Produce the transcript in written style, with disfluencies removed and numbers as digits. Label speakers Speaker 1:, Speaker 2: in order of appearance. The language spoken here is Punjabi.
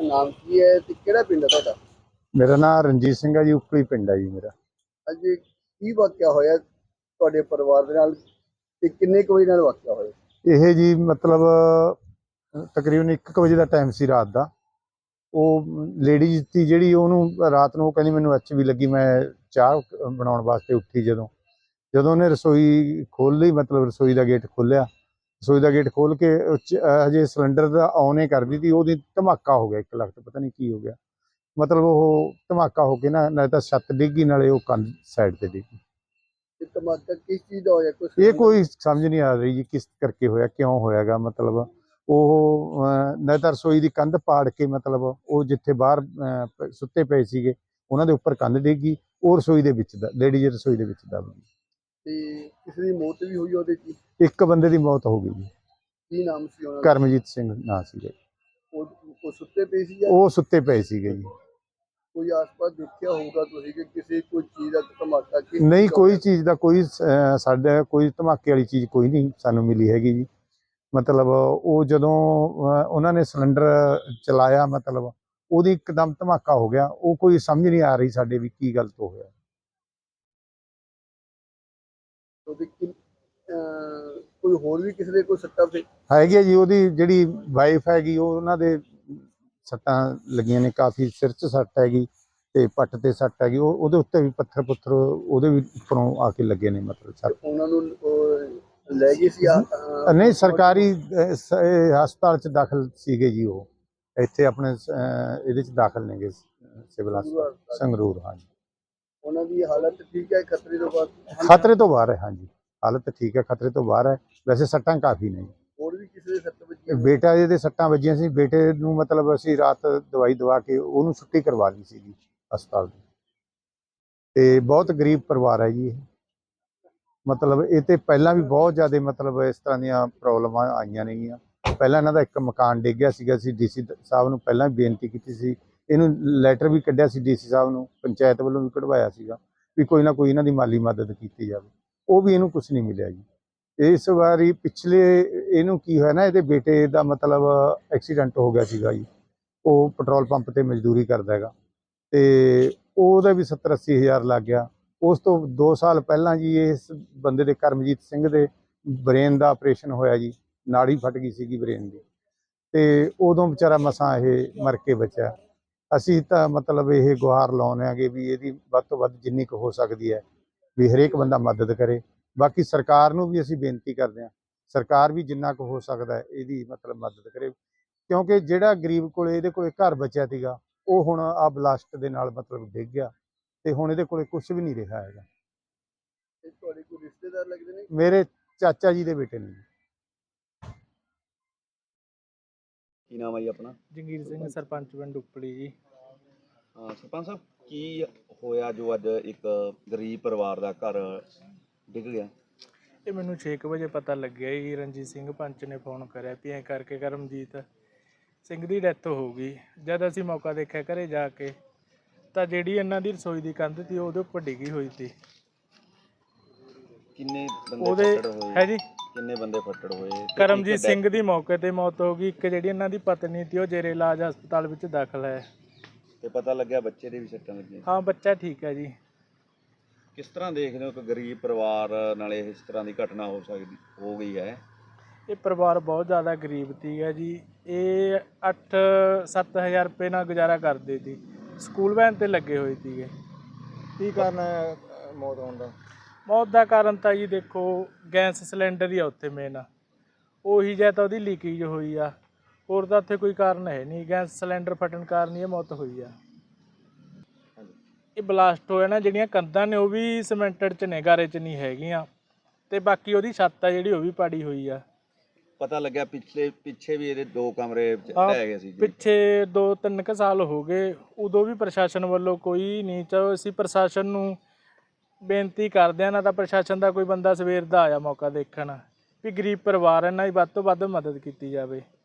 Speaker 1: ਨਾਮ ਕੀ ਹੈ ਤੇ ਕਿਹੜਾ ਪਿੰਡ ਹੈ ਤੁਹਾਡਾ?
Speaker 2: ਮੇਰਾ ਨਾਮ ਰਣਜੀਤ ਸਿੰਘ ਹੈ ਜੀ, ਉਪਲੀ ਪਿੰਡ ਹੈ ਜੀ ਮੇਰਾ।
Speaker 1: ਅੱਜ ਕੀ ਵਾਕਿਆ ਹੋਇਆ ਤੁਹਾਡੇ ਪਰਿਵਾਰ ਦੇ ਨਾਲ ਤੇ ਕਿੰਨੇ ਕੁ ਵਜੇ ਨਾਲ ਵਾਕਿਆ ਹੋਇਆ?
Speaker 2: ਇਹ ਜੀ ਮਤਲਬ ਤਕਰੀਬਨ 1 ਵਜੇ ਦਾ ਟਾਈਮ ਸੀ ਰਾਤ ਦਾ। ਉਹ ਲੇਡੀਜ਼ ਸੀ ਜਿਹੜੀ, ਉਹਨੂੰ ਰਾਤ ਨੂੰ ਕਹਿੰਦੀ ਮੈਨੂੰ ਐਚਬੀ ਲੱਗੀ। ਮੈਂ ਚਾਹ ਬਣਾਉਣ ਵਾਸਤੇ ਉੱਠੀ ਜਦੋਂ ਉਹਨੇ ਰਸੋਈ ਖੋਲ੍ਹ ਲਈ, ਮਤਲਬ ਰਸੋਈ ਦਾ ਗੇਟ ਖੋਲ੍ਹਿਆ। ਰਸੋਈ ਦਾ ਗੇਟ ਖੋਲ੍ਹ ਕੇ ਹਜੇ ਸਿਲੰਡਰ ਦਾ ਔਨ ਹੀ ਕਰਦੀ ਸੀ, ਉਹਦੀ ਧਮਾਕਾ ਹੋ ਗਿਆ 1 ਲੱਖ ਤੇ ਪਤਾ ਨਹੀਂ ਕੀ ਹੋ ਗਿਆ। ਮਤਲਬ ਉਹ ਧਮਾਕਾ ਹੋ ਕੇ ਨਾਲੇ ਤਾਂ ਛੱਤ ਡਿੱਗੀ, ਨਾਲੇ ਉਹ ਕੰਧ ਸਾਈਡ ਤੇ ਡਿੱਗੀ।
Speaker 1: ਧਮਾਕਾ ਕਿਸ ਚੀਜ਼ ਦਾ ਹੋਇਆ?
Speaker 2: ਇਹ ਕੋਈ ਸਮਝ ਨਹੀਂ ਆ ਰਹੀ ਜੀ ਕਿਸ ਕਰਕੇ ਹੋਇਆ, ਕਿਉਂ ਹੋਇਆਗਾ। ਮਤਲਬ ਉਹ ਨਾਲੇ ਤਾਂ ਰਸੋਈ ਦੀ ਕੰਧ ਪਾੜ ਕੇ, ਮਤਲਬ ਉਹ ਜਿੱਥੇ ਬਾਹਰ ਸੁੱਤੇ ਪਏ ਸੀਗੇ ਉਹਨਾਂ ਦੇ ਉੱਪਰ ਕੰਧ ਡਿੱਗੀ, ਉਹ ਰਸੋਈ ਦੇ ਵਿੱਚ ਲੇਡੀਜ਼ ਰਸੋਈ ਦੇ ਵਿੱਚ ਦਬ ਗਈ।
Speaker 1: ਤੇ ਕਿਸੇ ਦੀ ਮੌਤ ਵੀ ਹੋਈ ਉਹਦੇ ਚ?
Speaker 2: 1 ਬੰਦੇ ਦੀ ਮੌਤ ਹੋ ਗਈ ਜੀ।
Speaker 1: ਕੀ ਨਾਮ ਸੀ ਉਹਨਾਂ ਦਾ?
Speaker 2: ਕਰਮਜੀਤ ਸਿੰਘ ਨਾਂ ਸੀਗਾ।
Speaker 1: ਉਹ ਸੁੱਤੇ ਪਏ ਸੀ?
Speaker 2: ਉਹ ਸੁੱਤੇ ਪਏ ਸੀਗੇ ਜੀ।
Speaker 1: ਕੋਈ ਆਸ-ਪਾਸ ਦੇਖਿਆ ਹੋਊਗਾ ਤੁਸੀਂ ਕਿ ਕਿਸੇ ਕੋਈ ਚੀਜ਼ ਦਾ ਧਮਾਕਾ?
Speaker 2: ਨਹੀਂ, ਕੋਈ ਚੀਜ਼ ਦਾ ਕੋਈ ਸਾਡਾ ਕੋਈ ਧਮਾਕੇ ਵਾਲੀ ਚੀਜ਼ ਕੋਈ ਨਹੀਂ ਸਾਨੂੰ ਮਿਲੀ ਹੈਗੀ ਜੀ। ਮਤਲਬ ਉਹ ਜਦੋਂ ਉਹਨਾਂ ਨੇ ਸਿਲੰਡਰ ਚਲਾਇਆ, ਮਤਲਬ ਉਹਦੀ ਇੱਕਦਮ ਧਮਾਕਾ ਹੋ ਗਿਆ। ਉਹ ਕੋਈ ਸਮਝ ਨਹੀਂ ਆ ਰਹੀ ਸਾਡੇ ਵੀ ਕੀ ਗਲਤ ਹੋਇਆ।
Speaker 1: ਕੋਈ ਹੋਰ ਵੀ ਕਿਸੇ ਦੇ ਕੋਈ ਸੱਟਾਂ ਤੇ
Speaker 2: ਹੈਗੀ ਆ ਜੀ? ਉਹਦੀ ਜਿਹੜੀ ਵਾਈਫ ਹੈਗੀ, ਉਹਨਾਂ ਦੇ ਸੱਟਾਂ ਲੱਗੀਆਂ ਨੇ ਕਾਫੀ, ਸਿਰ 'ਚ ਸੱਟ ਹੈਗੀ ਤੇ ਪੱਟ ਤੇ ਸੱਟ ਹੈਗੀ। ਉਹਦੇ ਉੱਤੇ ਵੀ ਪੱਥਰ ਪੁੱਥਰ ਉਹਦੇ ਵੀ ਉੱਪਰੋਂ ਆ ਕੇ ਲੱਗੇ ਨੇ, ਮਤਲਬ ਸੱਟ।
Speaker 1: ਉਹਨਾਂ ਨੂੰ ਲੈ ਗਏ ਸੀ?
Speaker 2: ਨਹੀਂ, ਸਰਕਾਰੀ ਹਸਪਤਾਲ 'ਚ ਦਾਖਲ ਸੀਗੇ ਜੀ। ਉਹ ਇੱਥੇ ਆਪਣੇ ਇਹਦੇ 'ਚ ਦਾਖਲ ਨੇਗੇ, ਸਿਵਲ ਹਸਪਤਾਲ ਸੰਗਰੂਰ। ਹਾਂਜੀ,
Speaker 1: ਉਹਨਾਂ ਦੀ ਹਾਲਤ ਠੀਕ ਹੈ? ਖਤਰੇ ਤੋਂ ਬਾਅਦ?
Speaker 2: ਖਤਰੇ ਤੋਂ ਬਾਹਰ ਹੈ। ਹਾਂਜੀ, ਹਾਲਤ ਠੀਕ ਹੈ, ਖਤਰੇ ਤੋਂ ਬਾਹਰ ਹੈ। ਵੈਸੇ ਸੱਟਾਂ ਕਾਫੀ ਨੇ।
Speaker 1: ਹੋਰ ਵੀ ਕਿਸੇ ਦੇ ਸੱਟ ਵੱਜੀ?
Speaker 2: ਬੇਟਾ ਇਹਦੇ ਸੱਟਾਂ ਵੱਜੀਆਂ ਸੀ। ਬੇਟੇ ਨੂੰ ਮਤਲਬ ਅਸੀਂ ਰਾਤ ਦਵਾਈ ਦਵਾ ਕੇ ਉਹਨੂੰ ਛੁੱਟੀ ਕਰਵਾ ਲਈ ਸੀਗੀ ਹਸਪਤਾਲ ਦੀ। ਤੇ ਬਹੁਤ ਗਰੀਬ ਪਰਿਵਾਰ ਹੈ ਜੀ ਇਹ। ਮਤਲਬ ਇਹ ਤੇ ਪਹਿਲਾਂ ਵੀ ਬਹੁਤ ਜ਼ਿਆਦਾ ਮਤਲਬ ਇਸ ਤਰ੍ਹਾਂ ਦੀਆਂ ਪ੍ਰੋਬਲਮਾਂ ਆਈਆਂ ਨੇਗੀਆਂ। ਪਹਿਲਾਂ ਇਹਨਾਂ ਦਾ 1 ਮਕਾਨ ਡਿੱਗ ਗਿਆ ਸੀਗਾ। ਅਸੀਂ ਡੀਸੀ ਸਾਹਿਬ ਨੂੰ ਪਹਿਲਾਂ ਵੀ ਬੇਨਤੀ ਕੀਤੀ ਸੀ, ਇਹਨੂੰ ਲੈਟਰ ਵੀ ਕੱਢਿਆ ਸੀ ਡੀਸੀ ਸਾਹਿਬ ਨੂੰ, ਪੰਚਾਇਤ ਵੱਲੋਂ ਵੀ ਕਢਵਾਇਆ ਸੀਗਾ ਵੀ ਕੋਈ ਨਾ ਕੋਈ ਇਹਨਾਂ ਦੀ ਮਾਲੀ ਮਦਦ ਕੀਤੀ ਜਾਵੇ। ਉਹ ਵੀ ਇਹਨੂੰ ਕੁਛ ਨਹੀਂ ਮਿਲਿਆ ਜੀ। ਇਸ ਵਾਰੀ ਪਿਛਲੇ ਇਹਨੂੰ ਕੀ ਹੋਇਆ ਨਾ, ਇਹਦੇ ਬੇਟੇ ਦਾ ਮਤਲਬ ਐਕਸੀਡੈਂਟ ਹੋ ਗਿਆ ਸੀਗਾ ਜੀ। ਉਹ ਪੈਟਰੋਲ ਪੰਪ ਤੇ ਮਜ਼ਦੂਰੀ ਕਰਦਾ ਹੈਗਾ ਤੇ ਉਹਦਾ ਵੀ 70-80 ਹਜ਼ਾਰ ਲੱਗ ਗਿਆ। ਉਸ ਤੋਂ 2 ਸਾਲ ਪਹਿਲਾਂ ਜੀ ਇਸ ਬੰਦੇ ਦੇ, ਕਰਮਜੀਤ ਸਿੰਘ ਦੇ, ਬ੍ਰੇਨ ਦਾ ਆਪਰੇਸ਼ਨ ਹੋਇਆ ਜੀ। ਨਾੜੀ ਫਟ ਗਈ ਸੀਗੀ ਬ੍ਰੇਨ ਦੀ, ਤੇ ਉਦੋਂ ਵਿਚਾਰਾ ਮਸਾਂ ਇਹ ਮਰ ਕੇ ਬਚਿਆ। ਅਸੀਂ ਤਾਂ ਮਤਲਬ ਇਹ ਗੁਹਾਰ ਲਾਉਂਦੇ ਆਂਗੇ ਵੀ ਇਹਦੀ ਵੱਧ ਤੋਂ ਵੱਧ ਜਿੰਨੀ ਕੁ ਹੋ ਸਕਦੀ ਹੈ ਵੀ ਹਰੇਕ ਬੰਦਾ ਮਦਦ ਕਰੇ। ਬਾਕੀ ਸਰਕਾਰ ਨੂੰ ਵੀ ਅਸੀਂ ਬੇਨਤੀ ਕਰਦੇ ਹਾਂ, ਸਰਕਾਰ ਵੀ ਜਿੰਨਾ ਕੁ ਹੋ ਸਕਦਾ ਹੈ ਇਹਦੀ ਮਤਲਬ ਮਦਦ ਕਰੇ, ਕਿਉਂਕਿ ਜਿਹੜਾ ਗਰੀਬ ਕੋਲੇ ਇਹਦੇ ਕੋਲੇ ਘਰ ਬਚਿਆ ਸੀਗਾ, ਉਹ ਹੁਣ ਆ ਬਲਾਸਟ ਦੇ ਨਾਲ ਮਤਲਬ ਡਿੱਗ ਗਿਆ ਤੇ ਹੁਣ ਇਹਦੇ ਕੋਲੇ ਕੁਝ ਵੀ ਨਹੀਂ ਰਿਹਾ ਹੈਗਾ।
Speaker 1: ਤੁਹਾਡੇ ਕੋਈ ਰਿਸ਼ਤੇਦਾਰ ਲੱਗਦੇ ਨੇ?
Speaker 2: ਮੇਰੇ ਚਾਚਾ ਜੀ ਦੇ ਬੇਟੇ ਨੇ।
Speaker 3: ਕੀ ਨਾਮ ਹੈ ਜੀ ਆਪਣਾ?
Speaker 4: ਜੰਗੀਰ ਸਿੰਘ, ਸਰਪੰਚ ਪਿੰਡ ਉਪਲੀ ਜੀ।
Speaker 3: ਸਰਪੰਚ ਸਾਹਿਬ, ਕੀ ਹੋਇਆ ਜੋ ਅੱਜ ਇੱਕ ਗਰੀਬ ਪਰਿਵਾਰ ਦਾ ਘਰ ਡਿੱਗ ਗਿਆ?
Speaker 4: ਇਹ ਮੈਨੂੰ 6 ਵਜੇ ਪਤਾ ਲੱਗਿਆ ਜੀ। ਰਣਜੀਤ ਸਿੰਘ ਪੰਚ ਨੇ ਫੋਨ ਕਰਿਆ ਵੀ ਐਂ ਕਰਕੇ ਕਰਮਜੀਤ ਸਿੰਘ ਦੀ ਡੈਥ ਹੋ ਗਈ। ਜਦ ਅਸੀਂ ਮੌਕਾ ਦੇਖਿਆ ਘਰੇ ਜਾ ਕੇ, ਤਾਂ ਜਿਹੜੀ ਇਹਨਾਂ ਦੀ ਰਸੋਈ ਦੀ ਕੰਧ ਸੀ ਉਹਦੇ ਉੱਪਰ ਡਿੱਗੀ ਹੋਈ ਸੀ।
Speaker 3: ਕਿੰਨੇ ਬੰਦੇ ਫੱਟੜ ਹੋਏ?
Speaker 4: ਹੈ ਜੀ,
Speaker 3: ਕਿੰਨੇ ਬੰਦੇ ਫੱਟੜ ਹੋਏ?
Speaker 4: ਕਰਮਜੀਤ ਸਿੰਘ ਦੀ ਮੌਕੇ ਤੇ ਮੌਤ ਹੋ ਗਈ। ਇੱਕ ਜਿਹੜੀ ਇਹਨਾਂ ਦੀ ਪਤਨੀ ਸੀ ਉਹ ਜੇਰੇ ਇਲਾਜ ਹਸਪਤਾਲ ਵਿੱਚ ਦਾਖਲ ਹੈ।
Speaker 3: ਤੇ ਪਤਾ ਲੱਗਿਆ ਬੱਚੇ ਦੇ ਵੀ ਸੱਟਾਂ ਲੱਗੀਆਂ?
Speaker 4: ਹਾਂ, ਬੱਚਾ ਠੀਕ ਹੈ ਜੀ।
Speaker 3: ਕਿਸ ਤਰ੍ਹਾਂ ਦੇਖਦੇ ਹੋ ਕਿ ਗਰੀਬ ਪਰਿਵਾਰ ਨਾਲ ਇਸ ਤਰ੍ਹਾਂ ਦੀ ਘਟਨਾ ਹੋ ਗਈ ਹੈ?
Speaker 4: ਇਹ ਪਰਿਵਾਰ ਬਹੁਤ ਜ਼ਿਆਦਾ ਗਰੀਬ ਸੀਗਾ ਜੀ। ਇਹ 8-7 ਹਜ਼ਾਰ ਰੁਪਏ ਨਾਲ ਗੁਜ਼ਾਰਾ ਕਰਦੇ ਸੀ। ਸਕੂਲ ਵੈਨ ਤੇ ਲੱਗੇ ਹੋਏ ਸੀਗੇ।
Speaker 1: ਕੀ ਕਾਰਨ ਹੈ ਮੌਤ ਹੋਣ ਦਾ?
Speaker 4: ਮੌਤ ਦਾ ਕਾਰਨ ਤਾਂ ਜੀ ਦੇਖੋ, ਗੈਸ ਸਿਲੰਡਰ ਹੀ ਆ ਉੱਥੇ ਮੇਨ। ਉਹੀ ਜਾਂ ਤਾਂ ਉਹਦੀ ਲੀਕੇਜ ਹੋਈ ਆ, ਹੋਰ ਤਾਂ ਉੱਥੇ ਕੋਈ ਕਾਰਨ ਹੈ ਨਹੀਂ। ਗੈਸ ਸਿਲੰਡਰ ਫਟਣ ਕਾਰਨ ਹੀ ਇਹ ਮੌਤ ਹੋਈ ਆ। ਇਹ ਬਲਾਸਟ ਹੋਇਆ ਨਾ, ਜਿਹੜੀਆਂ ਕੰਧਾਂ ਨੇ ਉਹ ਵੀ ਸੀਮੈਂਟਡ 'ਚ ਨੇ, ਗਾਰੇ 'ਚ ਨਹੀਂ ਹੈਗੀਆਂ। ਤੇ ਬਾਕੀ ਉਹਦੀ ਛੱਤ ਆ ਜਿਹੜੀ, ਉਹ ਵੀ ਪਾੜੀ ਹੋਈ ਆ।
Speaker 3: ਪਤਾ ਲੱਗਿਆ ਪਿੱਛੇ ਵੀ ਇਹਦੇ 2 ਕਮਰੇ ਢਹਿ ਗਏ ਸੀ?
Speaker 4: ਪਿੱਛੇ 2-3 ਕੁ ਸਾਲ ਹੋ ਗਏ, ਉਦੋਂ ਵੀ ਪ੍ਰਸ਼ਾਸਨ ਵੱਲੋਂ ਕੋਈ ਨਹੀਂ। ਚਲੋ ਅਸੀਂ ਪ੍ਰਸ਼ਾਸਨ ਨੂੰ ਬੇਨਤੀ ਕਰਦੇ ਹਾਂ, ਨਾ ਤਾਂ ਪ੍ਰਸ਼ਾਸਨ ਦਾ ਕੋਈ ਬੰਦਾ ਸਵੇਰ ਦਾ ਆਇਆ ਮੌਕਾ ਦੇਖਣ ਵੀ ਗਰੀਬ ਪਰਿਵਾਰ ਇਹਨਾਂ ਦੀ ਵੱਧ ਤੋਂ ਵੱਧ ਮਦਦ ਕੀਤੀ ਜਾਵੇ।